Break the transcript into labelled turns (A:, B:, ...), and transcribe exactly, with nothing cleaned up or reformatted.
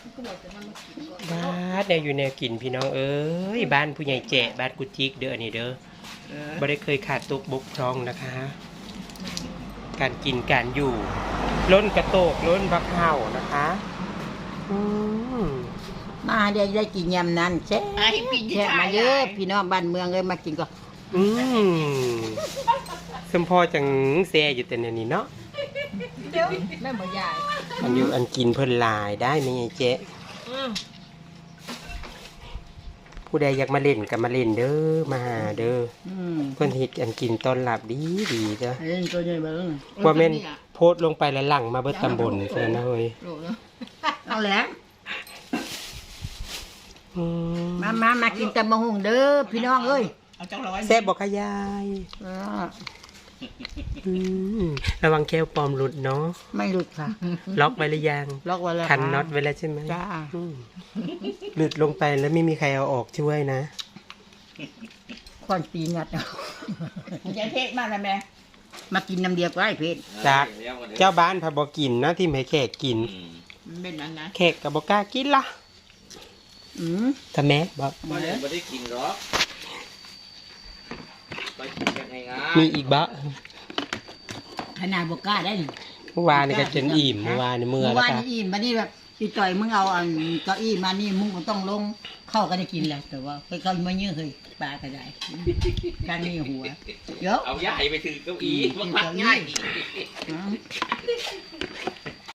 A: บ้านเนี่ยอยู่แนวกินพี่น้องเอ้ยบ้านผู้ใหญ่แจะบ้านกุจิกเด้อนี่เด้อไม่ได้เคยขาดตกบกพร่องนะคะ การกินการอยู่ล้นกระโตกล้นบักเห่านะคะอืม
B: มาได้ได้กินยำนั้นแซ่แซ่มาเยอะพี่น้องบ้านเมืองเลยมากินก็
A: อืมสมพอจังแซ่อยู่แต่เนี่ยนี่เนาะ
B: เดี๋ยวแม่หมอยาย
A: อันอยู่อันกินเพิ่นหลายได้ไหมไงเจ๊ผู้ใดอยากมาเล่นก็มาเล่นเด้อมาหาเด้อเพิ่นเฮ็ดอันกินต้อนรับดีดีจ้ะ
B: เล่นตัวใหญ่เบิ้ง
A: ว่าแม่นโพสต์ลงไปแล้วหลังมาเบิดตำบลเพิ่นนะเฮ้ย
B: เอาแล้ว
A: อืม
B: มามามากินตำมะฮุ่งเด้อพี่น้องเอ้ย
A: แซ่บบ่คะยาย
B: เออ
A: อืมระวังแก้วปลอมหลุดเนาะ
B: ไม่หลุดค่ะ
A: ล็อกไว้หรือยัง
B: ล็อกไว้แล้ว
A: คันน็อตไว้แล้วใช่ไหม
B: จ้า
A: อืมหลุดลงไปแล้วไม่มีใครเอาออกช่วยนะ
B: ควันปีงัดเอา
C: จะเทศมาแล้วแม่
B: มากินน้ำเดียวก็ได้เพชร
A: จากเจ้าบ้านพาบอกินนะที่ไม่แขกกิน
C: มันเป็นนั้นนะ
A: แขกกับบอกล้ากินละ
B: อืม
A: ทำแม่บอก
D: ไม่ได้ไม่ได้กินหรอกไปกินกันง่าย
A: มีอีกบะ
B: ขนาดบกล้าได้
A: เมื่อวานนี่ก็จนอิ่มเมื่อวานนี่เมื่อ
B: เมื่อ
A: แล้ว
B: วาน
A: ก็
B: นี้อิ่มมานี่แบบพี่ต่อยมึงเอาอันเก้าอี้มานี่มึงก็ต้องลงเข้าก็ได้กินแหละแต่ว่าไปเข้ามาเยอะเลยปลาก็ได้การนี่หัวเยอะ
D: เอาย่าไปถือเก้าอี้มันพักง่าย
B: อืม